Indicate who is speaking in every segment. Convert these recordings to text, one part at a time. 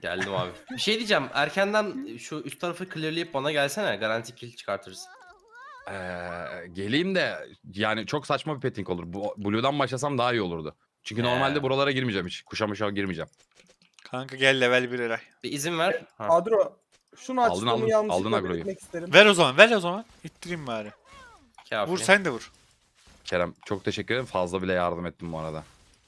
Speaker 1: Geldim abi. Bir şey diyeceğim. Erkenden şu üst tarafı clearlayıp bana gelsene. Garanti kill çıkartırız.
Speaker 2: Geleyim de yani çok saçma bir petting olur. Blue'dan başlasam daha iyi olurdu. Çünkü
Speaker 1: He.
Speaker 2: normalde buralara girmeyeceğim hiç. Kuşa girmeyeceğim.
Speaker 3: Kanka gel level 1 Eray.
Speaker 1: Bir izin ver. Ha.
Speaker 4: Adro şunu
Speaker 2: Aldın,
Speaker 4: açtığımı
Speaker 2: aldın
Speaker 4: yanlışlıkla
Speaker 2: agroyu.
Speaker 4: belirtmek isterim.
Speaker 3: Ver o zaman. İttireyim bari.
Speaker 1: Kafi.
Speaker 3: Vur sen de vur.
Speaker 2: Kerem çok teşekkür ederim. Fazla bile yardım ettim bu arada.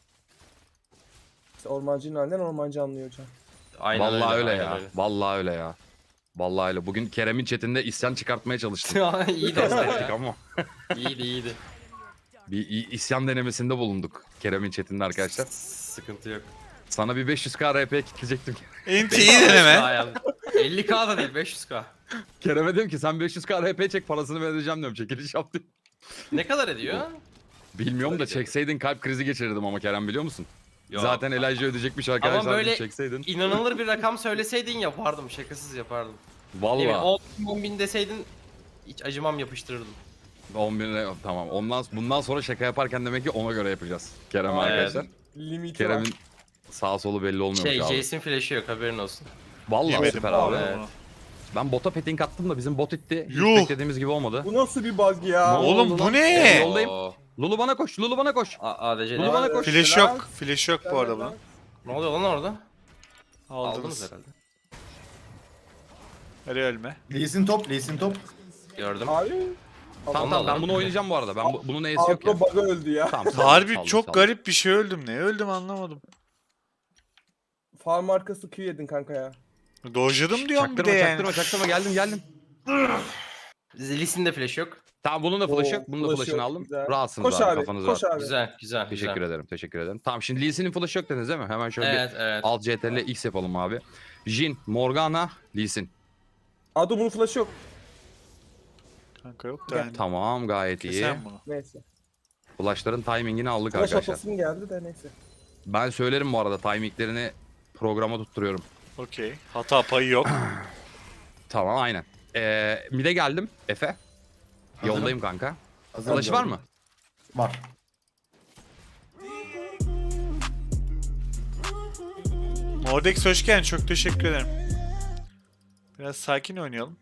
Speaker 4: İşte ormancının halinden ormancı anlıyor hocam.
Speaker 1: Aynen
Speaker 2: Vallahi öyle
Speaker 1: aynen
Speaker 2: ya. Vallahi öyle ya. Vallahi öyle. Bugün Kerem'in chatinde isyan çıkartmaya çalıştım.
Speaker 1: İyi
Speaker 2: Test
Speaker 1: de.
Speaker 2: ettik ama.
Speaker 1: iyiydi.
Speaker 2: Bir isyan denemesinde bulunduk Kerem'in chatinde arkadaşlar.
Speaker 1: Sıkıntı yok.
Speaker 2: Sana bir 500k RP kitleyecektim.
Speaker 3: Enti iyi deneme.
Speaker 1: 50k da değil 500k.
Speaker 2: Kerem'e dedim ki sen 500k RP çek parasını vereceğim diyorum. Çekiliş yaptı.
Speaker 1: Ne kadar ediyor?
Speaker 2: Bilmiyorum da çekseydin kalp krizi geçirirdim ama Kerem biliyor musun?
Speaker 1: Yok.
Speaker 2: Zaten Elijah ödeyecekmiş arkadaşlar.
Speaker 1: Ama böyle
Speaker 2: çekseydin.
Speaker 1: inanılır bir rakam söyleseydin yapardım. Şakasız yapardım. Ne bileyim,
Speaker 2: Vallahi
Speaker 1: 10 bin deseydin hiç acımam yapıştırırdım.
Speaker 2: 10 bin tamam. Bundan sonra şaka yaparken demek ki ona göre yapacağız. Kerem
Speaker 1: Evet.
Speaker 2: arkadaşlar.
Speaker 4: Limiti var.
Speaker 2: Kerem'in sağ solu belli olmuyor abi.
Speaker 1: Jason flash'ı yok haberin olsun.
Speaker 2: Vallahi
Speaker 3: Yemedim
Speaker 2: süper
Speaker 3: bu
Speaker 2: abi.
Speaker 3: arada
Speaker 1: Evet.
Speaker 3: bunu.
Speaker 2: Ben bota petting attım da bizim bot itti. Hiç
Speaker 3: Yuh!
Speaker 2: beklediğimiz gibi olmadı.
Speaker 4: Bu nasıl bir bug ya?
Speaker 2: Ne
Speaker 3: Oğlum
Speaker 2: oldu
Speaker 3: bu
Speaker 2: lan?
Speaker 3: ne?
Speaker 2: Yoldayım.
Speaker 1: Oo.
Speaker 2: Lulu bana koş. Lulu bana koş.
Speaker 1: ADC
Speaker 2: Lulu bana koş.
Speaker 3: Flash yok. Flash yok bu arada bunun.
Speaker 1: Ne oluyor lan orada? Aldınız
Speaker 3: Aldınız.
Speaker 1: herhalde.
Speaker 3: Eray ölme.
Speaker 5: Lee Sin top, Lee Sin top.
Speaker 1: Gördüm.
Speaker 4: Abi.
Speaker 2: Tamam ben
Speaker 1: alalım.
Speaker 2: bunu oynayacağım bu arada. Bunun E'si yok ya.
Speaker 4: Adro bug'a öldü ya.
Speaker 2: Tamam,
Speaker 3: Harbi
Speaker 2: saldım,
Speaker 3: çok
Speaker 2: saldım.
Speaker 3: garip bir şey öldüm. Ne öldüm anlamadım.
Speaker 4: Farm arkası Q yedin kanka ya.
Speaker 3: Dojladım diyorum bir de
Speaker 2: Çaktırma
Speaker 3: yani.
Speaker 2: çaktırma geldim.
Speaker 1: Lisin de flash yok.
Speaker 2: Tamam bunun da flash'ı
Speaker 4: Oo,
Speaker 2: yok. Bunun da
Speaker 4: flash'ı
Speaker 2: flash'ını
Speaker 4: yok,
Speaker 2: aldım.
Speaker 4: güzel.
Speaker 2: Rahatsınız
Speaker 4: Koş
Speaker 2: abi,
Speaker 4: abi,
Speaker 2: kafanız
Speaker 4: koş
Speaker 2: rahat.
Speaker 4: abi.
Speaker 1: Güzel.
Speaker 2: Teşekkür ederim. Tamam şimdi Lee Sin'in flash'ı yok dediniz değil mi? Hemen şöyle
Speaker 1: Evet.
Speaker 2: bir alt CTRL X yapalım abi. Jhin, Morgana, Lee Sin.
Speaker 4: Adro bunun flash'ı yok.
Speaker 3: Kanka yok da yani.
Speaker 2: Tamam gayet iyi.
Speaker 3: Sen bunu.
Speaker 4: Neyse.
Speaker 2: Flash'ların timingini aldık
Speaker 4: Flash
Speaker 2: arkadaşlar.
Speaker 4: atasım geldi de neyse.
Speaker 2: Ben söylerim bu arada timinglerini programa tutturuyorum.
Speaker 3: Okey. Hata payı yok.
Speaker 2: Tamam aynen. Mid'e geldim Efe.
Speaker 5: Hazırım.
Speaker 2: Yoldayım kanka.
Speaker 5: Hazırım,
Speaker 2: Flash var
Speaker 5: gördüm.
Speaker 2: mı?
Speaker 5: Var.
Speaker 3: Mordex hoş geldin. Çok teşekkür ederim. Biraz sakin oynayalım.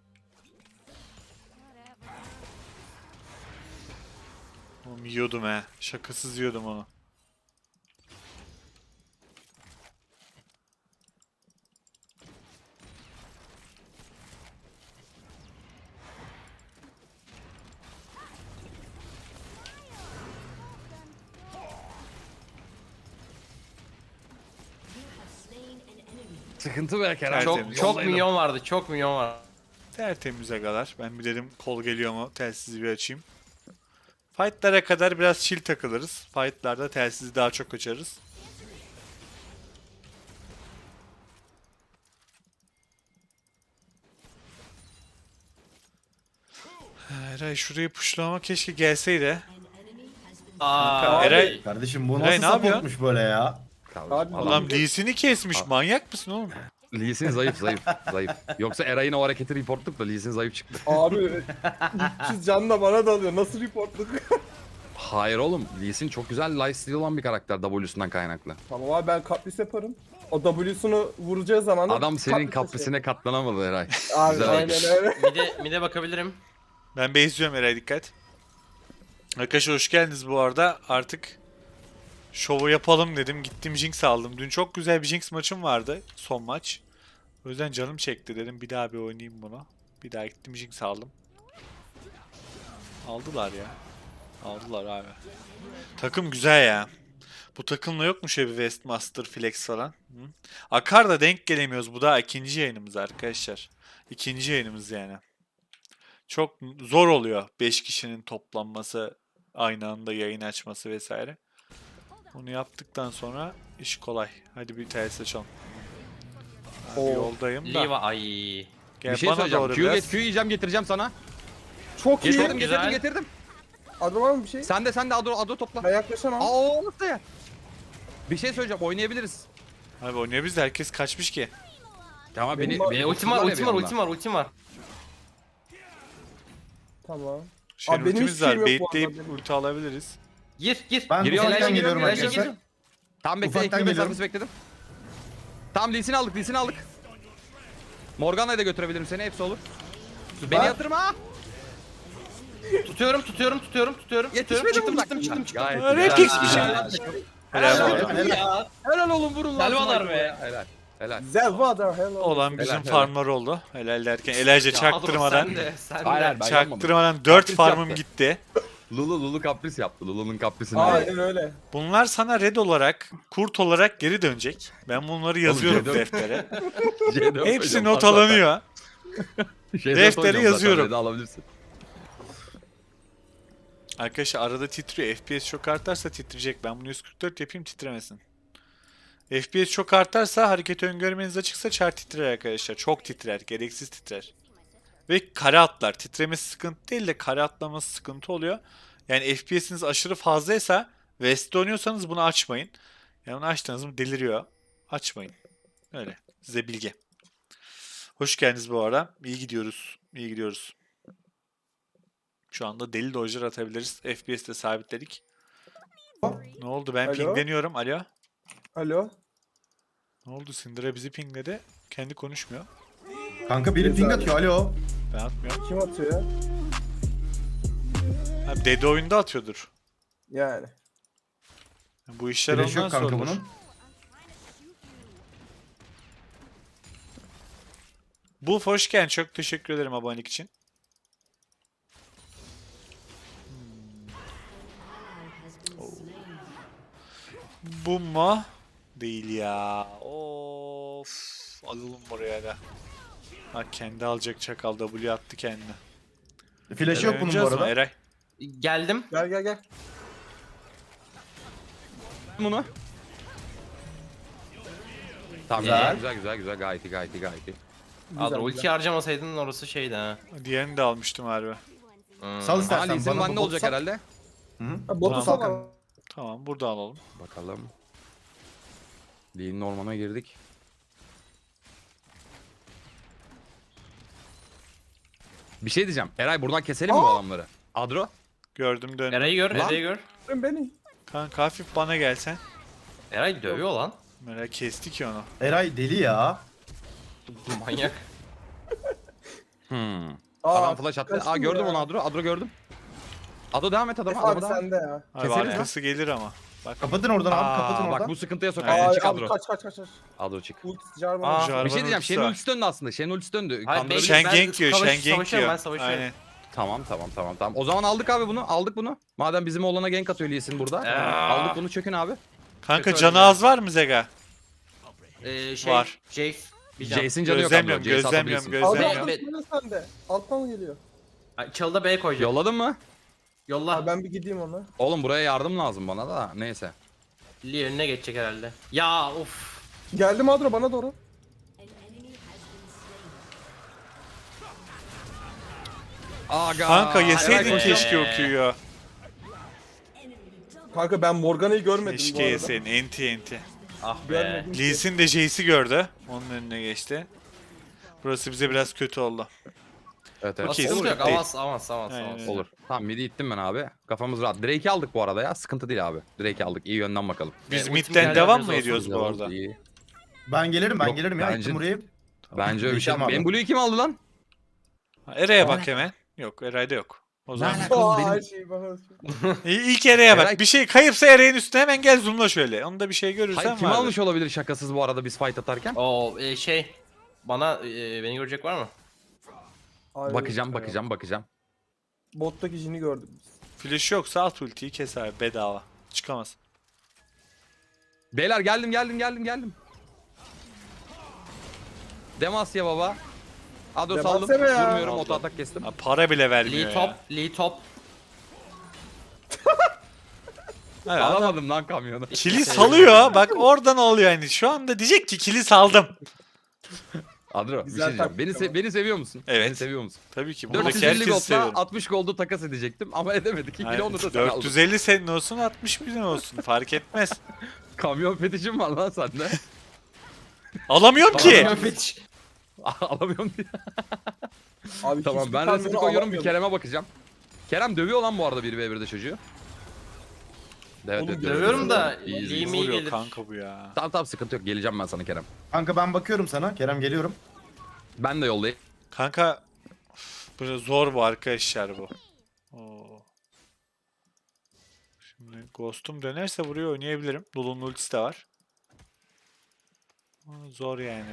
Speaker 3: Oğlum yiyordum he. Şakasız yiyordum onu.
Speaker 2: Sıkıntı be Kerem.
Speaker 3: Tertemiz.
Speaker 1: Çok milyon vardı. Çok milyon var.
Speaker 3: Tertemiz agalar. Ben bir dedim kol geliyor mu telsizi bir açayım. Fight'lara kadar biraz chill takılırız. Fight'larda telsizi daha çok açarız. Eray şurayı puşlama keşke gelseydi.
Speaker 1: Aa,
Speaker 3: Eray-
Speaker 5: Kardeşim bu
Speaker 3: Eray,
Speaker 5: nasıl
Speaker 3: ne yapıyor?
Speaker 5: supportmuş böyle ya?
Speaker 4: Abi,
Speaker 3: Adam Lee Sin'i kesmiş. Manyak mısın oğlum?
Speaker 2: Lee Sin zayıf. Yoksa Eray'ın o hareketi reportluk da Lee Sin zayıf çıktı.
Speaker 4: Abi 300 canla bana dalıyor. Nasıl reportluk?
Speaker 2: Hayır oğlum. Lee Sin çok güzel lifesteal olan bir karakter W'sundan kaynaklı.
Speaker 4: Tamam abi ben kapris yaparım. O W'sunu vuracağı zaman da
Speaker 2: Adam senin
Speaker 4: kapris
Speaker 2: kaprisine katlanamadı Eray.
Speaker 4: taşıyor. Abi
Speaker 2: Güzel
Speaker 4: aynen öyle.
Speaker 1: Mide bakabilirim.
Speaker 3: Ben base'liyorum Eray dikkat. Arkadaşlar hoş geldiniz bu arada. Artık şovu yapalım dedim. Gittim Jinx aldım. Dün çok güzel bir Jinx maçım vardı. Son maç. O yüzden canım çekti dedim. Bir daha bir oynayayım bunu. Bir daha gittim Jinx aldım. Aldılar ya. Aldılar abi. Takım güzel ya. Bu takımla yok mu şöyle bir Westmaster Flex falan? Hı? Akar da denk gelemiyoruz. Bu da ikinci yayınımız arkadaşlar. İkinci yayınımız yani. Çok zor oluyor 5 kişinin toplanması, aynı anda yayın açması vesaire. Bunu yaptıktan sonra iş kolay. Hadi bir ters açalım. Abi
Speaker 4: Oo.
Speaker 3: yoldayım da.
Speaker 1: Liva ay.
Speaker 3: Gel
Speaker 2: Bir şey
Speaker 3: bana
Speaker 2: söyleyeceğim.
Speaker 3: doğru
Speaker 2: Q,
Speaker 3: biraz.
Speaker 2: Q yiyeceğim getireceğim sana.
Speaker 4: Çok iyi.
Speaker 2: Getirdim
Speaker 1: güzel.
Speaker 2: getirdim.
Speaker 4: Adro var mı bir şey?
Speaker 2: Sen de Ado topla.
Speaker 4: Ben yaklaşamam.
Speaker 2: Aa nasıl ya? Bir şey söyleyeceğim oynayabiliriz.
Speaker 3: Abi oynuyor biz de herkes kaçmış ki.
Speaker 2: Tamam
Speaker 4: Benim
Speaker 2: beni
Speaker 1: Ultim var.
Speaker 4: Tamam.
Speaker 3: Şeyin
Speaker 4: Abi benim
Speaker 3: ultimiz
Speaker 4: hiçbir
Speaker 3: var.
Speaker 4: şeyim yok bu
Speaker 3: Baitleyip
Speaker 4: arada.
Speaker 3: ulti alabiliriz.
Speaker 1: Gir.
Speaker 5: Ben
Speaker 2: Giriyor,
Speaker 5: ufaktan
Speaker 2: giriyor,
Speaker 5: geliyorum
Speaker 1: giriyor,
Speaker 5: arkadaşlar.
Speaker 1: giriyor.
Speaker 2: Tamam bekle
Speaker 5: Ufaktan
Speaker 2: ekle
Speaker 5: geliyorum.
Speaker 2: mesafesi bekledim. Tamam Lee Sin'i aldık, Lee Sin'i aldık. Morgana'ya da götürebilirim seni, hepsi olur.
Speaker 5: Süper.
Speaker 2: Beni yatırma.
Speaker 1: Tutuyorum.
Speaker 2: Yetişmedi
Speaker 1: Çıktım,
Speaker 2: mi?
Speaker 1: çıktım.
Speaker 2: Gayet
Speaker 3: Repix
Speaker 2: güzel.
Speaker 3: bir şey.
Speaker 5: Helal,
Speaker 3: Helal
Speaker 5: helal.
Speaker 1: Ya.
Speaker 2: Helal oğlum, vurun lan.
Speaker 1: Selvalar be.
Speaker 2: Helal. Helal.
Speaker 4: Zelvada hello.
Speaker 3: Olan bizim
Speaker 2: Helal, helal.
Speaker 3: farmlar oldu. Helal derken Elijah çaktırmadan.
Speaker 1: Sen
Speaker 2: Hayır,
Speaker 1: de.
Speaker 2: hayır, ben
Speaker 3: Çaktırmadan 4
Speaker 2: Kapris
Speaker 3: farmım
Speaker 2: yaptı.
Speaker 3: gitti.
Speaker 2: Lulu kapris yaptı. Lulu'nun kaprisini.
Speaker 4: Aynen öyle.
Speaker 3: Bunlar sana red olarak, kurt olarak geri dönecek. Ben bunları yazıyorum
Speaker 2: C4.
Speaker 3: deftere.
Speaker 2: C4
Speaker 3: Hepsi
Speaker 2: hocam,
Speaker 3: not
Speaker 2: var zaten.
Speaker 3: alınıyor.
Speaker 2: C4
Speaker 3: Deftere
Speaker 2: hocam,
Speaker 3: yazıyorum.
Speaker 2: zaten, Red'i alabilirsin.
Speaker 3: Arkadaşlar arada titriyor. FPS çok artarsa titreyecek. Ben bunu 144 yapayım titremesin. FPS çok artarsa hareket öngörmeniz açıksa çar titrer arkadaşlar. Çok titrer. Gereksiz titrer. Ve kare atlar. Titremesi sıkıntı değil de kare atlaması sıkıntı oluyor. Yani FPS'iniz aşırı fazlaysa West'te oynuyorsanız bunu açmayın. Yani bunu açtığınız mı deliriyor. Açmayın. Öyle. Size bilgi. Hoş geldiniz bu arada. İyi gidiyoruz. İyi gidiyoruz. Şu anda deli dojlar atabiliriz. FPS'te sabitledik. Ne oldu? Ben
Speaker 4: Alo?
Speaker 3: pingleniyorum. Alo?
Speaker 4: Alo.
Speaker 3: Ne oldu? Syndra bizi pingledi. Kendi konuşmuyor.
Speaker 5: Kanka biri ping atıyor. Alo.
Speaker 3: Ben atmıyorum.
Speaker 4: Kim atıyor ya?
Speaker 3: Ha, Dede oyunda atıyordur.
Speaker 4: Yani.
Speaker 3: Bu işler
Speaker 5: Flash
Speaker 3: ondan
Speaker 5: yok kanka
Speaker 3: sorulur.
Speaker 5: bunun.
Speaker 3: Bu hoş geldin. Çok teşekkür ederim abonelik için. Bu mu? Değil ya. Of. Alalım buraya da. Ha kendi alacak çakal W attı kendine.
Speaker 5: Flash'ı yok bunun bu
Speaker 3: Oynayacağız mı
Speaker 5: arada.
Speaker 3: Eray?
Speaker 1: Geldim.
Speaker 4: Gel.
Speaker 2: Bunu. Tamam
Speaker 5: Güzel.
Speaker 2: güzel gayet iyi.
Speaker 1: Adro
Speaker 4: güzel.
Speaker 1: ulti harcamasaydın orası şeydi ha.
Speaker 3: Diğerini de almıştım harbi.
Speaker 5: Sal
Speaker 2: Aa,
Speaker 5: istersen
Speaker 2: Lee Sin
Speaker 5: bana
Speaker 2: bende
Speaker 5: bu
Speaker 2: olacak
Speaker 5: bot
Speaker 2: herhalde.
Speaker 4: Ha, botu
Speaker 3: Tamam.
Speaker 4: sal.
Speaker 3: Tamam burada alalım.
Speaker 2: Bakalım. Lee'nin ormana girdik. Bir şey diyeceğim. Eray buradan keselim mi bu adamları? Adro?
Speaker 3: Gördüm dön.
Speaker 1: Eray'ı gör,
Speaker 2: Lan.
Speaker 1: Eray'ı gör.
Speaker 4: Beni.
Speaker 3: Kanka hafif bana gelsen.
Speaker 1: Eray dövüyor lan.
Speaker 3: Merak kesti ki onu.
Speaker 5: Eray deli ya.
Speaker 1: Manyak.
Speaker 2: Adam flash attı.
Speaker 4: kaçtım
Speaker 2: Aa gördüm
Speaker 4: ya.
Speaker 2: onu Adro. Adro gördüm. Adro devam et adama.
Speaker 4: Abi
Speaker 2: Adro devam et.
Speaker 4: sende ya.
Speaker 3: Abi
Speaker 2: Keseriz
Speaker 3: arkası gelir ama. Bak.
Speaker 5: Kapatın oradan abi kapatın
Speaker 2: Aa,
Speaker 5: oradan.
Speaker 2: bak bu sıkıntıya sokar.
Speaker 3: Aynen.
Speaker 2: Sen
Speaker 4: Aa,
Speaker 2: çık
Speaker 4: abi
Speaker 2: Adro.
Speaker 4: kaç.
Speaker 2: Adro çık.
Speaker 4: Ulti Jarvan.
Speaker 1: Aa,
Speaker 3: Jarvan
Speaker 2: Bir şey diyeceğim.
Speaker 3: ultisi
Speaker 2: Shen'in
Speaker 3: var.
Speaker 2: ultisi döndü aslında. Shen'in ultisi döndü.
Speaker 1: Hayır,
Speaker 2: Kandırabilir.
Speaker 1: ben-
Speaker 3: Shengenk yiyor, Shengenk
Speaker 1: savaşıyorum,
Speaker 3: yiyor.
Speaker 1: ben savaşıyorum.
Speaker 3: Aynen.
Speaker 2: Tamam. O zaman aldık abi bunu. Aldık bunu. Madem bizim oğlana gank atıyor Lee Sin burada. Aldık bunu, çökün abi.
Speaker 3: Kanka
Speaker 1: Kötü
Speaker 3: canı
Speaker 1: oynadı.
Speaker 3: az var mı Zega? Var.
Speaker 1: Jace. Bir can.
Speaker 2: Jace'in canı yok Adro.
Speaker 3: Gözlemliyorum,
Speaker 2: Jace
Speaker 3: gözlemliyorum,
Speaker 2: atabilirsin.
Speaker 3: gözlemliyorum.
Speaker 4: Aldı
Speaker 1: Be-
Speaker 4: sende. Alttan geliyor.
Speaker 1: Çalıda B'ye koyacağım.
Speaker 2: Yolladın mı?
Speaker 1: Yolla.
Speaker 4: Abi ben bir gideyim ona.
Speaker 2: Oğlum buraya yardım lazım bana da. Neyse.
Speaker 1: Lee önüne geçecek herhalde. Ya of.
Speaker 4: Geldim Adro bana doğru.
Speaker 2: Aga.
Speaker 3: Kanka yeseydin
Speaker 1: Eray
Speaker 3: keşke
Speaker 1: koşuyor.
Speaker 3: okuyor.
Speaker 4: Kanka ben Morgana'yı görmedim bu
Speaker 3: Keşke
Speaker 4: arada.
Speaker 3: yeseydin. Enti.
Speaker 1: Ah be.
Speaker 4: Görmedim.
Speaker 3: Lee Sin de Jace'i gördü. Onun önüne geçti. Burası bize biraz kötü oldu.
Speaker 2: Evet.
Speaker 3: Okey,
Speaker 1: Sıkıntı yok.
Speaker 3: değil.
Speaker 1: Avans.
Speaker 3: Aynen.
Speaker 2: Olur. Tamam midi ittim ben abi. Kafamız rahat. Drake'i aldık bu arada ya. Sıkıntı değil abi. Drake'i aldık. İyi yönden bakalım.
Speaker 3: Biz
Speaker 1: ultim
Speaker 3: midden
Speaker 1: geldi,
Speaker 3: devam
Speaker 1: haberiniz
Speaker 3: mı
Speaker 1: olsun.
Speaker 3: ediyoruz bu arada?
Speaker 2: İyi.
Speaker 5: Ben gelirim
Speaker 2: Yok,
Speaker 5: ya.
Speaker 2: bence-
Speaker 5: Gittim buraya.
Speaker 2: Bence öyle bir şey.
Speaker 5: Geçelim abi.
Speaker 2: Benim Blue'yu kim aldı lan?
Speaker 3: Eray'a bak hemen. Yok Eray'da yok. O zaman
Speaker 4: Aa,
Speaker 2: Benim-
Speaker 4: her şeyi bana.
Speaker 3: ilk Eray'a
Speaker 2: Eray-
Speaker 3: bak. Bir şey kayıpsa Eray'ın üstüne hemen gel zoomla şöyle. Onda bir şey görürsen
Speaker 2: Hayır, kim
Speaker 3: vardır.
Speaker 2: almış olabilir şakasız bu arada biz fight atarken?
Speaker 1: O bana beni görecek var mı?
Speaker 4: Ay,
Speaker 2: Bakacağım.
Speaker 4: Bottaki jini gördük biz.
Speaker 3: Flash yoksa at ultiyi kes abi bedava. Çıkamaz.
Speaker 2: Beyler geldim. Demasya baba. Ado
Speaker 4: Demasya
Speaker 2: saldım.
Speaker 4: be ya.
Speaker 2: Vurmuyorum, oto atak kestim.
Speaker 3: Ha, para bile vermiyor
Speaker 1: Lee
Speaker 3: ya.
Speaker 1: top. Lee top.
Speaker 3: Evet, adam
Speaker 2: Alamadım lan kamyonu.
Speaker 3: kili salıyor. Bak oradan oluyor yani. Şu anda diyecek ki kili saldım.
Speaker 2: Adro bir
Speaker 4: Güzel
Speaker 2: şey diyeceğim.
Speaker 4: taktik ama.
Speaker 2: Beni seviyor musun?
Speaker 3: Evet.
Speaker 2: Beni seviyor musun?
Speaker 3: Tabii ki. Buradaki
Speaker 2: 450
Speaker 3: herkesi
Speaker 2: gold'la
Speaker 3: seviyorum.
Speaker 2: 60 gold'u takas edecektim ama edemedik. 2 kilo onu da sen aldın.
Speaker 3: 450 senin olsun 60 bin olsun. Fark etmez.
Speaker 2: Kamyon fetişim var lan sende.
Speaker 3: Alamıyorum ki.
Speaker 1: Fetiş.
Speaker 2: Alamıyorum diye.
Speaker 4: Abi
Speaker 2: Tamam
Speaker 4: hiçbir
Speaker 2: ben
Speaker 4: kamyonu
Speaker 2: resmi koyuyorum, bir
Speaker 4: alamıyorum.
Speaker 2: Kerem'e bakacağım. Kerem dövüyor lan bu arada 1v1'de çocuğu. Evet,
Speaker 4: Oğlum,
Speaker 2: evet,
Speaker 1: Dövüyorum da
Speaker 2: İyi, iyi.
Speaker 1: Liam iyi
Speaker 3: Vuruyor
Speaker 1: gelir.
Speaker 3: kanka bu ya.
Speaker 2: Tamam sıkıntı yok. Geleceğim ben sana Kerem.
Speaker 5: Kanka ben bakıyorum sana. Kerem geliyorum.
Speaker 2: Ben de yoldayım.
Speaker 3: Kanka böyle zor bu arkadaşlar bu. Oo. Şimdi Ghost'um dönerse buraya oynayabilirim. Lulu'nun ultisi de var. Zor yani.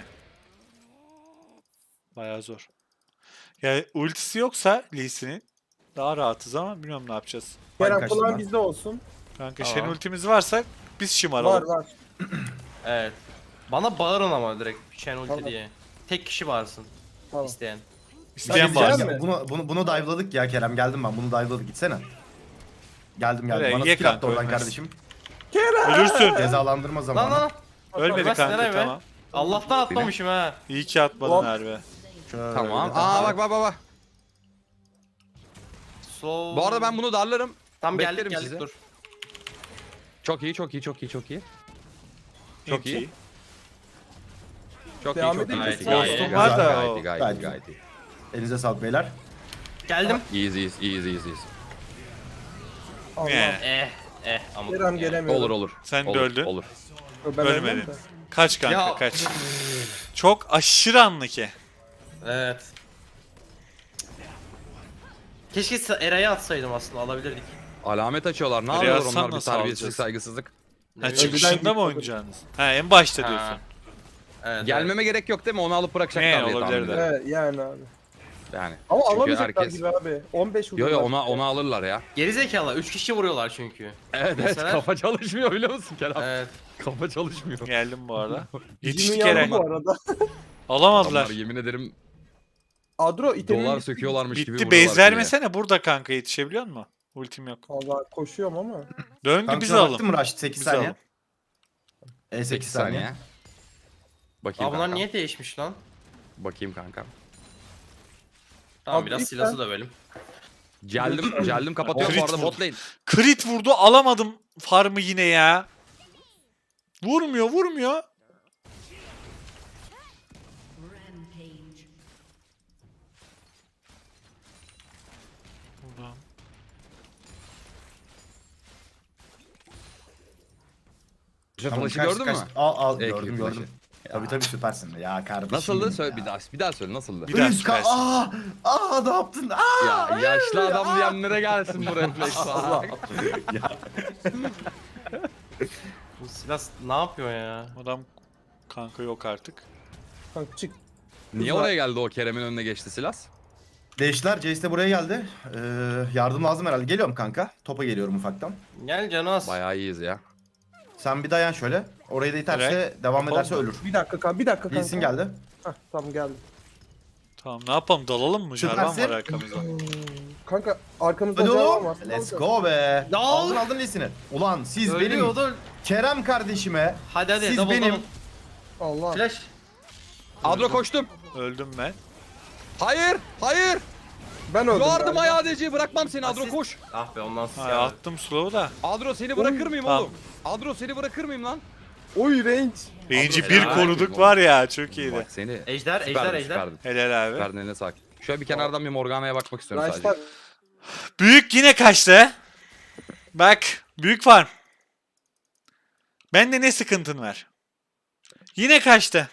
Speaker 3: Bayağı zor. Yani ultisi yoksa Lee Sin'in daha rahatız ama bilmiyorum ne yapacağız.
Speaker 4: Kerem
Speaker 5: kaçtım
Speaker 4: kulağın
Speaker 5: ben.
Speaker 4: bizde olsun.
Speaker 3: Kanka
Speaker 1: Tamam.
Speaker 3: Shen ultimiz varsa biz şımaralım.
Speaker 4: Var.
Speaker 1: Evet. Bana bağırın ama direkt Shen ulti
Speaker 4: Tamam.
Speaker 1: diye. Tek kişi varsın
Speaker 4: Tamam.
Speaker 1: isteyen.
Speaker 3: İsteyen
Speaker 4: Diyeceğim
Speaker 3: var.
Speaker 4: mi?
Speaker 5: Bunu dive'ladık ya Kerem. Geldim ben. Bunu dive'ladık. Gitsene. Geldim.
Speaker 3: Öyle,
Speaker 5: Bana
Speaker 3: ye
Speaker 5: skill attı
Speaker 3: kanka,
Speaker 5: oradan
Speaker 3: ölmez.
Speaker 5: kardeşim.
Speaker 3: Ölürsün.
Speaker 5: Cezalandırma
Speaker 1: Lan
Speaker 5: zamanı.
Speaker 1: lan.
Speaker 3: Ölmedi
Speaker 1: Ölmez,
Speaker 3: kanka
Speaker 1: nereye be?
Speaker 3: tamam.
Speaker 1: Allah'tan atmamışım ha.
Speaker 3: İyi ki atmadın
Speaker 4: Hop.
Speaker 3: harbi.
Speaker 5: Şöyle
Speaker 2: Tamam.
Speaker 5: de-
Speaker 2: Aa bak.
Speaker 1: Slow.
Speaker 2: Bu arada ben bunu darlarım.
Speaker 1: Tam geldik
Speaker 2: beklerim
Speaker 1: geldik
Speaker 2: sizi.
Speaker 1: dur.
Speaker 2: Çok iyi. Çok iyi.
Speaker 3: Çok iyi.
Speaker 4: Devam
Speaker 2: Çok iyi.
Speaker 1: edelim.
Speaker 2: Çok iyi.
Speaker 1: Ghost'um
Speaker 3: var da
Speaker 2: Gayet
Speaker 3: o.
Speaker 2: iyi, gayet iyi,
Speaker 5: Gayet
Speaker 2: gayet iyi.
Speaker 5: Elinize sağlık beyler.
Speaker 1: Geldim.
Speaker 2: İyiyiz.
Speaker 4: Allah.
Speaker 3: Ne?
Speaker 1: Ama.
Speaker 4: Kerem gelemiyor.
Speaker 2: Olur.
Speaker 3: Sen de
Speaker 2: Olur,
Speaker 3: öldün.
Speaker 2: Olur.
Speaker 4: Ben
Speaker 3: Ölmedin.
Speaker 4: ölmem de.
Speaker 3: Kaç kanka
Speaker 1: Ya.
Speaker 3: kaç. Çok aşırı anlaki.
Speaker 1: Evet. Keşke Eray'ı atsaydım aslında alabilirdik.
Speaker 2: Alamet açıyorlar. Ne
Speaker 3: Nereye
Speaker 2: yapıyorlar
Speaker 3: atsan
Speaker 2: onlar? Bir
Speaker 3: nasıl
Speaker 2: terbiyesizlik,
Speaker 3: alacağız?
Speaker 2: saygısızlık.
Speaker 3: Ha,
Speaker 1: Evet.
Speaker 3: çıkışında
Speaker 4: Önceden
Speaker 3: mı
Speaker 4: gitmedi.
Speaker 3: oynayacaksınız? Ha en başta
Speaker 1: Ha.
Speaker 3: diyorsun.
Speaker 1: Evet,
Speaker 2: Gelmeme gerek yok değil mi? Onu alıp bırakacaklar
Speaker 3: Ne,
Speaker 2: diye tahmin
Speaker 3: olabilir de.
Speaker 2: ederim.
Speaker 4: Evet yani abi.
Speaker 2: Yani.
Speaker 4: Ama
Speaker 2: Çünkü
Speaker 4: alamayacaklar
Speaker 2: herkes-
Speaker 4: gibi abi. 15
Speaker 2: Yo
Speaker 4: vuruyorlar.
Speaker 2: ona alırlar ya.
Speaker 1: Gerizekalı 3 kişi vuruyorlar çünkü.
Speaker 2: Evet
Speaker 1: Mesela-
Speaker 2: kafa çalışmıyor biliyor musun Kerem?
Speaker 1: Evet.
Speaker 2: Kafa çalışmıyor.
Speaker 3: Geldim bu arada.
Speaker 4: Bizim
Speaker 3: Yetiştik
Speaker 4: yandı
Speaker 3: Eren.
Speaker 4: bu arada.
Speaker 3: Alamadılar.
Speaker 2: Adamlar yemin ederim
Speaker 4: Adro itemin
Speaker 2: dolar söküyorlarmış gibi
Speaker 3: Bitti
Speaker 2: vuruyorlar
Speaker 3: base
Speaker 2: kuleye.
Speaker 3: vermesene burada kanka yetişebiliyor musun? Ultim yok.
Speaker 4: Valla koşuyorum ama.
Speaker 3: Döndü
Speaker 5: Kanka
Speaker 3: biz
Speaker 5: şuna
Speaker 3: alalım.
Speaker 5: baktın mı Raşit? 8
Speaker 3: Biz
Speaker 5: saniye.
Speaker 3: alalım.
Speaker 5: 8 saniye.
Speaker 2: Bakayım
Speaker 1: Aa bunlar
Speaker 2: kanka.
Speaker 1: niye değişmiş lan?
Speaker 2: Bakayım kanka.
Speaker 1: Tamam
Speaker 4: Abi
Speaker 1: biraz
Speaker 4: lütfen.
Speaker 1: silahı dövelim.
Speaker 2: Geldim kapatıyorum bu
Speaker 3: Crit
Speaker 2: arada
Speaker 3: vurdu.
Speaker 2: bot lane.
Speaker 3: Crit vurdu alamadım farmı yine ya. Vurmuyor. Buradan.
Speaker 5: Tamam,
Speaker 2: Flash'ı
Speaker 5: kaç-
Speaker 2: gördün
Speaker 5: kaç-
Speaker 2: mü?
Speaker 5: Al
Speaker 2: Ekli
Speaker 5: gördüm.
Speaker 2: flash'ı.
Speaker 5: Tabii süpersin de ya kardeşim.
Speaker 2: Nasıldı?
Speaker 5: benim
Speaker 2: Söyle
Speaker 5: ya.
Speaker 2: bir daha söyle nasıldı?
Speaker 3: Bir daha
Speaker 5: Üst
Speaker 3: süpersin.
Speaker 5: ne yaptın?
Speaker 2: Ya yaşlı adam diyenlere gelsin bu refleks.
Speaker 5: Allah.
Speaker 1: Bu silah ne yapıyor ya?
Speaker 3: Adam kanka yok artık.
Speaker 4: Kanka çık.
Speaker 2: Niye oraya geldi o Kerem'in önüne geçti Silas?
Speaker 5: Değiştiler. Jace de buraya geldi. Yardım lazım herhalde. Geliyorum kanka. Topa geliyorum ufaktan.
Speaker 1: Gel Canas.
Speaker 2: Bayağı iyiyiz ya.
Speaker 5: Sen bir dayan şöyle. Orayı da iterse devam ederse
Speaker 3: Oldu.
Speaker 5: ölür.
Speaker 4: Bir dakika kanka.
Speaker 5: Bilsin geldi.
Speaker 4: Hah tamam geldim.
Speaker 3: Tamam ne yapalım dalalım mı? Jarvan
Speaker 5: Süpersin.
Speaker 3: var arkamızda.
Speaker 4: Kanka arkamızda
Speaker 5: Hadi
Speaker 4: cevap
Speaker 5: oğlum.
Speaker 4: var.
Speaker 5: Let's go be.
Speaker 1: Ya.
Speaker 5: Aldın Lee'sini. Ulan siz benim
Speaker 1: Ölüyordu.
Speaker 5: Kerem kardeşime.
Speaker 1: Hadi
Speaker 5: Siz
Speaker 1: double
Speaker 5: benim-
Speaker 1: double.
Speaker 4: Allah.
Speaker 1: Flash.
Speaker 2: Adro koştum.
Speaker 3: Öldüm ben.
Speaker 2: Hayır.
Speaker 4: Ben öldüm.
Speaker 2: Yardım
Speaker 4: galiba.
Speaker 2: ayağı DC bırakmam seni Adro
Speaker 1: Asist.
Speaker 2: koş.
Speaker 1: Ah be ondan
Speaker 3: Ha,
Speaker 1: sonra.
Speaker 3: attım slow'u da.
Speaker 2: Adro seni bırakır mıyım
Speaker 3: Tamam.
Speaker 2: oğlum? Adro seni bırakır mıyım lan?
Speaker 4: Oy range.
Speaker 3: Range'i
Speaker 1: Adro
Speaker 3: bir
Speaker 1: helal.
Speaker 3: koruduk var ya çok iyiydi.
Speaker 2: Bak seni.
Speaker 1: Ejder.
Speaker 2: Süperdin.
Speaker 3: Helal abi.
Speaker 2: Süperdin eline sağlık. Şöyle bir kenardan bir Morgana'ya bakmak istiyorum sadece.
Speaker 4: Raşlar.
Speaker 3: Büyük yine kaçtı. Bak büyük farm. Bende ne sıkıntın var? Yine kaçtı.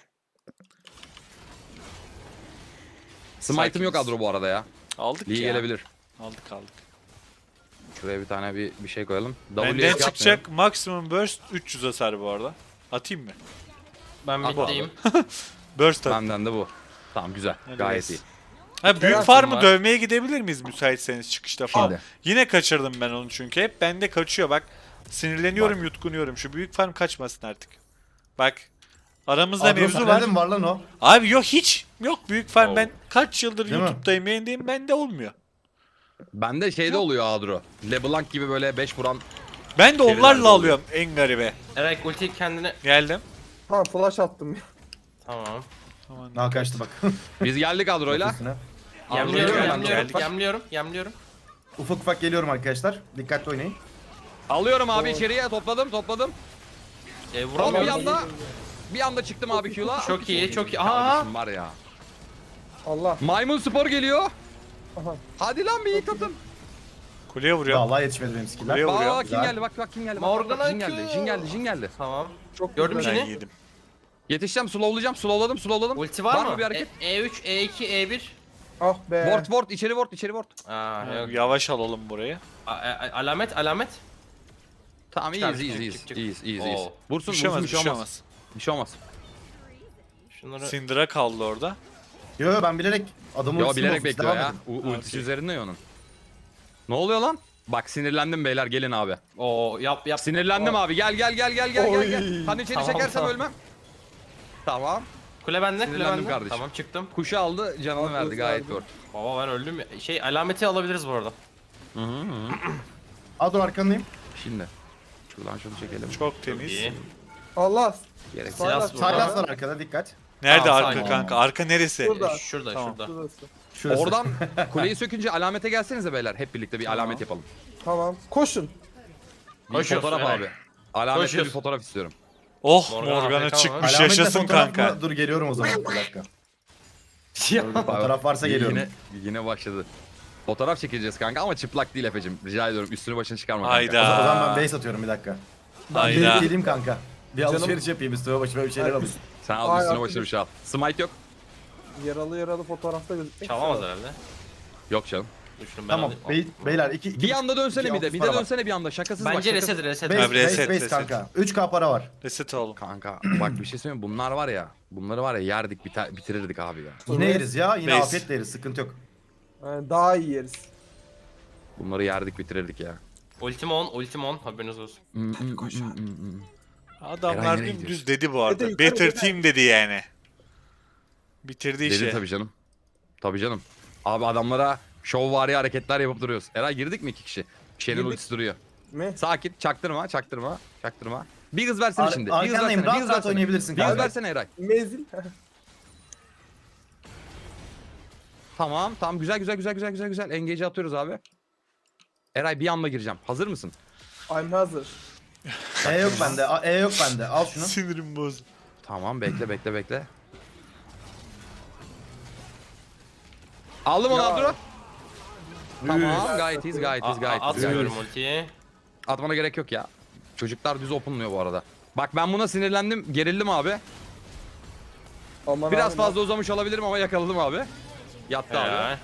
Speaker 2: Smite'ım yok Adro bu arada ya.
Speaker 3: Aldık
Speaker 2: Lee
Speaker 3: ya.
Speaker 2: gelebilir.
Speaker 3: Aldık.
Speaker 2: Şuraya bir tane bir şey koyalım.
Speaker 3: Benden
Speaker 2: W'ye
Speaker 3: çıkacak maksimum burst 300 hasar bu arada. Atayım mı?
Speaker 1: Ben
Speaker 2: At
Speaker 1: middeyim.
Speaker 3: Burst at.
Speaker 2: Benden de bu. Tamam güzel.
Speaker 3: Hadi
Speaker 2: Gayet
Speaker 3: gelsin.
Speaker 2: iyi.
Speaker 3: Ha büyük
Speaker 1: Kerem
Speaker 3: farmı
Speaker 1: var.
Speaker 3: dövmeye gidebilir miyiz müsaitseniz çıkışta falan?
Speaker 2: Şimdi.
Speaker 3: Yine kaçırdım ben onu çünkü hep bende kaçıyor bak. Sinirleniyorum yutkunuyorum. Şu büyük farm kaçmasın artık. Bak. Aramızda
Speaker 5: Adro
Speaker 3: mevzu
Speaker 5: sende
Speaker 3: var.
Speaker 5: de mi var lan o?
Speaker 3: Abi yok hiç. Yok büyük farm
Speaker 2: Oo.
Speaker 3: ben kaç yıldır
Speaker 5: Değil mi?
Speaker 3: YouTube'dayım yayındayım bende olmuyor.
Speaker 2: Bende şeyde oluyor Adro. LeBlanc gibi böyle 5 vuran.
Speaker 3: Ben de
Speaker 2: Şeyler
Speaker 3: onlarla
Speaker 2: oluyor.
Speaker 3: alıyorum en garibe.
Speaker 1: Eray ulti kendine.
Speaker 3: Geldim.
Speaker 4: Tamam flash attım.
Speaker 1: Tamam.
Speaker 3: Aman.
Speaker 5: Ha kaçtı bak.
Speaker 2: Biz geldik Adro'yla.
Speaker 5: Üstüne.
Speaker 1: Yemliyorum,
Speaker 2: Adro'yla
Speaker 1: yemliyorum.
Speaker 5: Ufak ufak geliyorum arkadaşlar. Dikkatli oynayın.
Speaker 2: Alıyorum abi içeriye topladım. Hop bir
Speaker 1: Vuramıyorum.
Speaker 2: anda bir anda çıktım abi Q'la.
Speaker 1: Çok iyi. Aha.
Speaker 2: Kardeşim var ya.
Speaker 4: Allah.
Speaker 2: Maymun spor geliyor.
Speaker 4: Aha.
Speaker 2: Hadi lan bir hit atın.
Speaker 3: Kuleye vuruyor.
Speaker 5: Vallahi yetişmedi benim skiller.
Speaker 3: Kuleye vuruyor.
Speaker 2: Bak kim
Speaker 5: Güzel.
Speaker 2: geldi bak kim geldi.
Speaker 1: Morgana
Speaker 2: Jin geldi.
Speaker 1: Q.
Speaker 2: Jin geldi. Jin geldi.
Speaker 1: Tamam.
Speaker 4: Çok
Speaker 1: Gördüm
Speaker 4: güzel.
Speaker 3: Ben
Speaker 1: Jin'i.
Speaker 3: yedim.
Speaker 2: Yetişeceğim, slowlayacağım, slowladım.
Speaker 1: Ulti var mı?
Speaker 2: bir hareket?
Speaker 1: E3, E2, E1.
Speaker 4: Ah be.
Speaker 2: Ward, içeri ward.
Speaker 1: Aa, yok.
Speaker 3: Yavaş alalım burayı.
Speaker 1: Alamet.
Speaker 2: Tamam
Speaker 1: Çıkar,
Speaker 2: iyiyiz.
Speaker 1: çık.
Speaker 2: İyiyiz.
Speaker 1: Oo.
Speaker 2: Vursun
Speaker 3: Düşemez,
Speaker 2: bir şey olmaz.
Speaker 3: düşemez.
Speaker 2: Bir şey olmaz.
Speaker 1: Şunları...
Speaker 3: Syndra kaldı orada.
Speaker 5: Yo ben bilerek adamı
Speaker 2: Yo
Speaker 5: ultisini
Speaker 2: bilerek
Speaker 5: bozmuş,
Speaker 2: bekliyor
Speaker 5: devam
Speaker 2: ya.
Speaker 5: edin.
Speaker 2: Ultisi
Speaker 3: Okey.
Speaker 2: üzerinde ya onun. Ne oluyor lan? Bak sinirlendim beyler gelin abi.
Speaker 1: Oo, yap.
Speaker 2: Sinirlendim abi gel.
Speaker 4: Oy.
Speaker 2: Hani içeri
Speaker 1: Tamam,
Speaker 2: çekersem
Speaker 1: tamam.
Speaker 2: ölmem. Tamam.
Speaker 1: Kule bende,
Speaker 2: Sinirlendim kardeşim.
Speaker 1: Tamam, çıktım.
Speaker 2: Kuşu aldı canını
Speaker 4: Abi,
Speaker 2: verdi gayet
Speaker 4: abi.
Speaker 2: gör.
Speaker 1: Baba ben öldüm ya. Alameti alabiliriz bu arada.
Speaker 5: Adro arkandayım.
Speaker 2: Şimdi. Şuradan şunu çekelim.
Speaker 3: Çok temiz.
Speaker 1: İyi.
Speaker 4: Allah.
Speaker 2: Gereksiz.
Speaker 1: Silas burada.
Speaker 5: Silas var arkada dikkat.
Speaker 3: Nerede
Speaker 1: Tamam,
Speaker 3: arka
Speaker 1: sakin.
Speaker 3: kanka? Arka neresi?
Speaker 4: Burada.
Speaker 1: Şurada,
Speaker 3: Tamam.
Speaker 1: şurada.
Speaker 4: Şurası.
Speaker 5: Şurası.
Speaker 2: Oradan kuleyi sökünce alamete gelsenize beyler. Hep birlikte bir alamet yapalım.
Speaker 4: Tamam. Koşun.
Speaker 2: Bir
Speaker 1: Koşuyoruz,
Speaker 2: fotoğraf
Speaker 1: evet.
Speaker 2: abi. Alamette bir
Speaker 1: Koşuyoruz.
Speaker 2: fotoğraf istiyorum.
Speaker 3: Oh
Speaker 1: Morgana
Speaker 3: Morgana
Speaker 1: AFK
Speaker 3: çıkmış
Speaker 5: Alametle
Speaker 3: yaşasın
Speaker 5: fotoğraf mı?
Speaker 3: kanka.
Speaker 5: Dur geliyorum o zaman bir dakika.
Speaker 1: Ya.
Speaker 5: Fotoğraf varsa geliyorum.
Speaker 2: Yine başladı. Fotoğraf çekeceğiz kanka ama çıplak değil Efe'cim. Rica ediyorum üstünü başını çıkarma kanka.
Speaker 3: Hayda.
Speaker 5: O zaman ben base atıyorum bir dakika. Ben
Speaker 3: Hayda.
Speaker 5: geleyim kanka. Bir
Speaker 4: Canım-
Speaker 5: alışveriş yapayım üstüme başıma bir şeyler alayım.
Speaker 2: Sen al
Speaker 4: Ay,
Speaker 2: üstüne
Speaker 4: artık
Speaker 2: başına bir şey al. Smite yok.
Speaker 4: Yaralı fotoğrafta gözükmek.
Speaker 1: Çalamaz herhalde.
Speaker 2: Yok canım.
Speaker 1: Dur şunu ben
Speaker 5: Tamam
Speaker 1: alayım.
Speaker 5: beyler iki
Speaker 2: Bir anda dönsene
Speaker 5: iki
Speaker 2: bir de.
Speaker 5: altı
Speaker 2: Bir
Speaker 5: para
Speaker 2: de
Speaker 5: var.
Speaker 2: dönsene bir anda. Şakasız bak.
Speaker 1: Bence
Speaker 2: şakasız.
Speaker 1: reset.
Speaker 5: Base,
Speaker 3: Abi reset,
Speaker 5: base
Speaker 3: reset.
Speaker 5: kanka. 3K para var.
Speaker 3: Reset oğlum.
Speaker 2: Kanka bak bir şey söyleyeyim mi? Bunlar var ya. Bunları var ya yerdik bitirirdik abi ya.
Speaker 5: Yine yeriz ya. Yine
Speaker 3: Base.
Speaker 5: afiyetle yeriz. Sıkıntı yok.
Speaker 4: Yani daha iyi yeriz.
Speaker 2: Bunları yerdik bitirirdik ya.
Speaker 1: Ultim on. Haberiniz olsun.
Speaker 3: Adamlar
Speaker 2: Eren nereye
Speaker 3: dümdüz dedi bu arada.
Speaker 4: Dede, yukarı,
Speaker 3: Better
Speaker 4: dede.
Speaker 3: team dedi yani. Bitirdi
Speaker 2: Dedi
Speaker 3: işi.
Speaker 2: tabii canım. Tabii canım. Abi adamlara şovvari hareketler yapıp duruyoruz. Eray girdik mi 2 kişi? Şeyin
Speaker 4: Girdik.
Speaker 2: ultisi duruyor.
Speaker 4: Mi?
Speaker 2: Sakin çaktırma. Bir hız versene şimdi. Bir hız
Speaker 5: Arkandayım.
Speaker 2: versene. Bir hız
Speaker 5: Rahat rahat
Speaker 2: versene.
Speaker 5: oynayabilirsin
Speaker 2: Bir hız
Speaker 5: kanka.
Speaker 2: versene Eray.
Speaker 4: Mezil.
Speaker 2: Tamam güzel. Engage'i atıyoruz abi. Eray bir anda gireceğim. Hazır mısın?
Speaker 4: I'm hazır.
Speaker 5: E yok bende. E yok bende. Al şunu.
Speaker 3: Sinirim bozdu.
Speaker 2: Tamam bekle. Aldım onu
Speaker 4: Ya.
Speaker 2: Abdurrah. Tamam gayet iyiyiz.
Speaker 1: Atmıyorum ultiyi.
Speaker 2: Atmana gerek yok ya. Çocuklar düz openlıyor bu arada. Bak ben buna sinirlendim, gerildim abi.
Speaker 4: Aman
Speaker 2: Biraz
Speaker 4: abi,
Speaker 2: fazla uzamış olabilirim ama yakaladım abi. Yattı abi.
Speaker 1: Helal.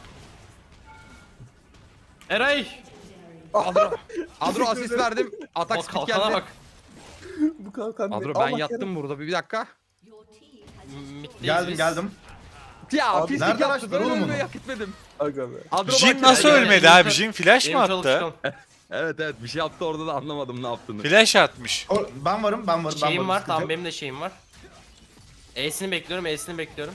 Speaker 1: Eray.
Speaker 2: Adro asist verdim. Atak
Speaker 1: Bak
Speaker 2: speed
Speaker 1: kalkana
Speaker 2: geldi.
Speaker 1: bak.
Speaker 4: Bu kalkan.
Speaker 2: Adro ben yattım burada bir dakika.
Speaker 1: Middeyiz
Speaker 5: Geldim
Speaker 1: biz.
Speaker 5: geldim.
Speaker 2: Ya
Speaker 4: Abi,
Speaker 2: pislik
Speaker 5: nereden
Speaker 2: yaptı.
Speaker 5: açtılar
Speaker 2: Böyle
Speaker 5: oğlum
Speaker 2: ölmeyi
Speaker 5: onu?
Speaker 2: hak etmedim.
Speaker 4: Aga be.
Speaker 2: Adro
Speaker 3: Jin
Speaker 2: bak-
Speaker 3: nasıl
Speaker 1: ya,
Speaker 3: ölmedi
Speaker 1: ya,
Speaker 3: abi?
Speaker 1: ya.
Speaker 3: Jin flash mı
Speaker 1: Benim çalı
Speaker 3: attı?
Speaker 1: çıkalım.
Speaker 2: Evet bir şey yaptı orada da anlamadım ne yaptığını.
Speaker 3: Flash atmış.
Speaker 5: Ben varım.
Speaker 1: Şeyim var.
Speaker 5: Sıkıntı
Speaker 1: Tamam
Speaker 5: yok.
Speaker 1: benim de şeyim var. E'sini bekliyorum.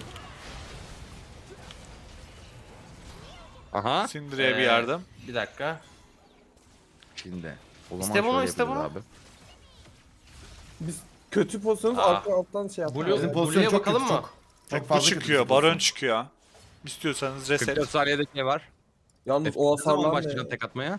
Speaker 2: Aha.
Speaker 3: Syndra'ya bir yardım.
Speaker 1: Bir dakika.
Speaker 2: Şimdi. O zaman
Speaker 1: İste bunu,
Speaker 2: şöyle
Speaker 1: iste
Speaker 2: yapıyoruz
Speaker 1: bunu.
Speaker 2: abi.
Speaker 4: Biz kötü pozisyonuz
Speaker 1: Aa.
Speaker 4: alttan şey yapalım.
Speaker 1: Blue-
Speaker 5: Bizim
Speaker 1: Blue'ya
Speaker 5: pozisyon çok
Speaker 1: bakalım
Speaker 5: kötü
Speaker 1: mı?
Speaker 5: çok.
Speaker 3: Bu
Speaker 5: fazla
Speaker 3: çıkıyor.
Speaker 5: kötü
Speaker 3: Baron
Speaker 5: pozisyon.
Speaker 3: çıkıyor. İstiyorsanız reset.
Speaker 2: 44 saniyede ne var?
Speaker 4: Yalnız
Speaker 2: Efe,
Speaker 4: o
Speaker 2: ne zaman
Speaker 4: hasarlar
Speaker 2: başlayacaksın
Speaker 4: ne?
Speaker 2: tek atmaya?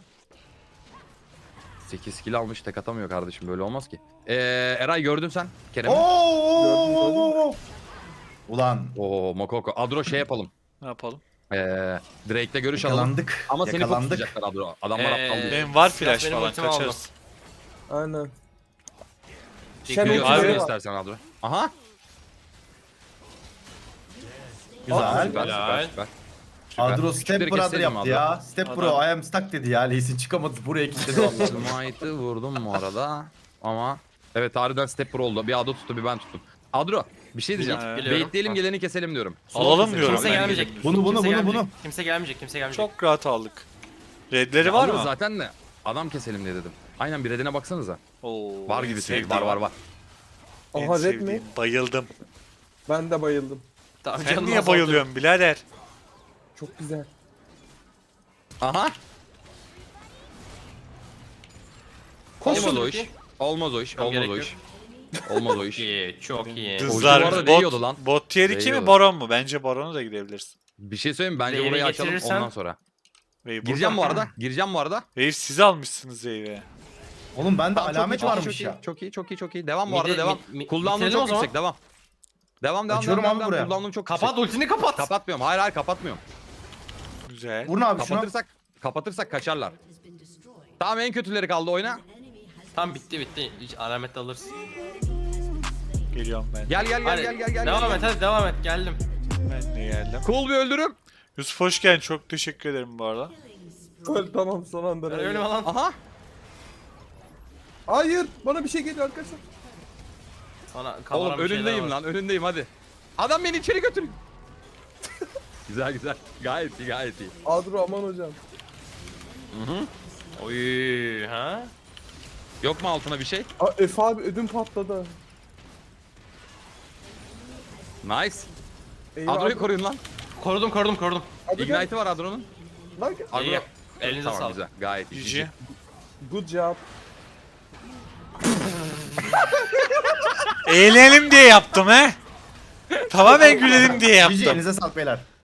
Speaker 2: 8 kill almış tek atamıyor kardeşim böyle olmaz ki. Eray gördün sen Kerem'i.
Speaker 5: Oo! Ulan
Speaker 2: Oo Mokoko. Adro şey yapalım.
Speaker 3: Ne yapalım?
Speaker 2: Drake'le görüş alalım.
Speaker 5: yakalandık.
Speaker 2: Ama seni
Speaker 5: Yakalandık.
Speaker 2: tutacaklar Adro. Adamlar aptal değil.
Speaker 3: Benim var
Speaker 1: Silah
Speaker 3: flash
Speaker 1: benim
Speaker 3: falan
Speaker 1: ultimi aldı.
Speaker 3: kaçarız.
Speaker 4: Aynen.
Speaker 1: Çekiyor.
Speaker 4: Şenol
Speaker 2: Var
Speaker 3: Abi-
Speaker 2: mı
Speaker 4: var.
Speaker 2: istersen Adro? Aha.
Speaker 5: Güzel.
Speaker 2: Süper.
Speaker 5: Adro Step
Speaker 2: Küçükleri
Speaker 5: Brother
Speaker 2: keselim
Speaker 5: yaptı
Speaker 2: Adro.
Speaker 5: ya. Step Bro I am stuck dedi ya. Lee'sin çıkamadı. Buraya kilitledi vallahi.
Speaker 2: Smite'ı vurdum bu arada. Ama evet harbiden step pro oldu. Bir Adro tuttu bir ben tuttum. Adro bir şey diyeceğim.
Speaker 1: Biliyorum.
Speaker 2: Baitleyelim geleni keselim diyorum.
Speaker 3: Alalım
Speaker 2: Keselim.
Speaker 3: diyorum.
Speaker 1: Kimse
Speaker 3: ben
Speaker 1: gelmeyecek.
Speaker 3: gelin.
Speaker 5: Bunu.
Speaker 1: Kimse gelmeyecek.
Speaker 3: Çok rahat aldık. Redleri
Speaker 2: Ya
Speaker 3: var
Speaker 2: alırız
Speaker 3: mı?
Speaker 2: zaten de adam keselim diye dedim. Aynen bir redine baksanıza.
Speaker 3: Oo,
Speaker 2: Var
Speaker 3: en
Speaker 2: gibi
Speaker 3: sevdiğim.
Speaker 2: var.
Speaker 3: En
Speaker 4: Aha red
Speaker 3: sevdiğim.
Speaker 4: mi?
Speaker 3: Bayıldım.
Speaker 4: Ben de bayıldım.
Speaker 1: Tamam,
Speaker 3: Sen
Speaker 1: canım
Speaker 3: niye
Speaker 1: azaldı.
Speaker 3: bayılıyorsun birader?
Speaker 4: Çok güzel.
Speaker 2: Aha.
Speaker 1: Koşun
Speaker 2: Olmaz o
Speaker 1: bakayım.
Speaker 2: iş. Olmaz o iş.
Speaker 1: Tamam,
Speaker 2: Olmaz
Speaker 1: gerek
Speaker 2: o
Speaker 1: yok.
Speaker 2: iş. Olmaz o iş.
Speaker 1: İyi, çok iyi.
Speaker 2: Dız-
Speaker 3: Kızlar
Speaker 2: bu arada değiyordu
Speaker 3: bot,
Speaker 2: lan.
Speaker 3: bot tier 2 mi
Speaker 2: Değiyordu.
Speaker 3: Baron mu? Bence Baron'a da gidebilirsin.
Speaker 2: Bir şey söyleyeyim mi? Bence
Speaker 1: Wave'i
Speaker 2: burayı açalım
Speaker 1: getirirsen-
Speaker 2: ondan sonra.
Speaker 3: Wave
Speaker 2: Gireceğim bu
Speaker 3: burada.
Speaker 2: arada.
Speaker 3: Wave siz almışsınız Wave'e.
Speaker 5: Oğlum bende
Speaker 2: Tamam, çok
Speaker 5: alamet
Speaker 2: iyi,
Speaker 5: varmış ya.
Speaker 2: Çok iyi. Devam bu arada
Speaker 1: Midi-
Speaker 2: devam.
Speaker 1: mi-
Speaker 2: Cooldown'um
Speaker 1: bitirelim o
Speaker 2: çok
Speaker 1: zaman.
Speaker 2: yüksek devam. Devam.
Speaker 5: Açıyorum abi buraya.
Speaker 2: Cooldown'um çok
Speaker 1: Kapat
Speaker 2: yüksek.
Speaker 1: ultini kapat.
Speaker 2: Kapatmıyorum. Hayır kapatmıyorum.
Speaker 3: Güzel.
Speaker 5: Vurun abi şuna.
Speaker 2: Kapatırsak kaçarlar. Tamam en kötüleri kaldı oyna.
Speaker 1: Tam bitti. Hiç alamet alırız.
Speaker 3: Geliyorum ben.
Speaker 2: Gel
Speaker 1: Hadi,
Speaker 2: gel.
Speaker 1: Devam et hadi devam et geldim.
Speaker 3: Ben de geldim.
Speaker 2: Cool bir öldürüm.
Speaker 3: Yusuf hoş geldin. Çok teşekkür ederim bu arada.
Speaker 4: Tamam son anda.
Speaker 1: Ben ölüm lan.
Speaker 2: Aha.
Speaker 4: Hayır bana bir şey geliyor arkadaşlar.
Speaker 1: Sana kafaran
Speaker 2: Oğlum
Speaker 1: bir şeyler
Speaker 2: önündeyim
Speaker 1: var.
Speaker 2: lan önündeyim hadi. Adam beni içeri götürüyor. güzel. Gayet iyi.
Speaker 4: Adro aman hocam.
Speaker 1: Oy ha?
Speaker 2: Yok mu altına bir şey?
Speaker 4: Aa, Efe abi ödüm patladı.
Speaker 2: Nice.
Speaker 4: Eyvah.
Speaker 2: Adro'yu koruyun lan.
Speaker 1: Korudum.
Speaker 4: Hadi gel.
Speaker 2: Ignite'ı var Adro'nun.
Speaker 4: Lan gel.
Speaker 2: Adro.
Speaker 1: İyi. Elinize
Speaker 2: Tamam
Speaker 1: sağlık.
Speaker 2: güzel. Gayet iyi.
Speaker 3: GG.
Speaker 4: Good job.
Speaker 3: Eğlenelim diye yaptım he. Tamamen gülelim diye
Speaker 5: GG
Speaker 3: yaptım.
Speaker 5: elinize sağlık beyler.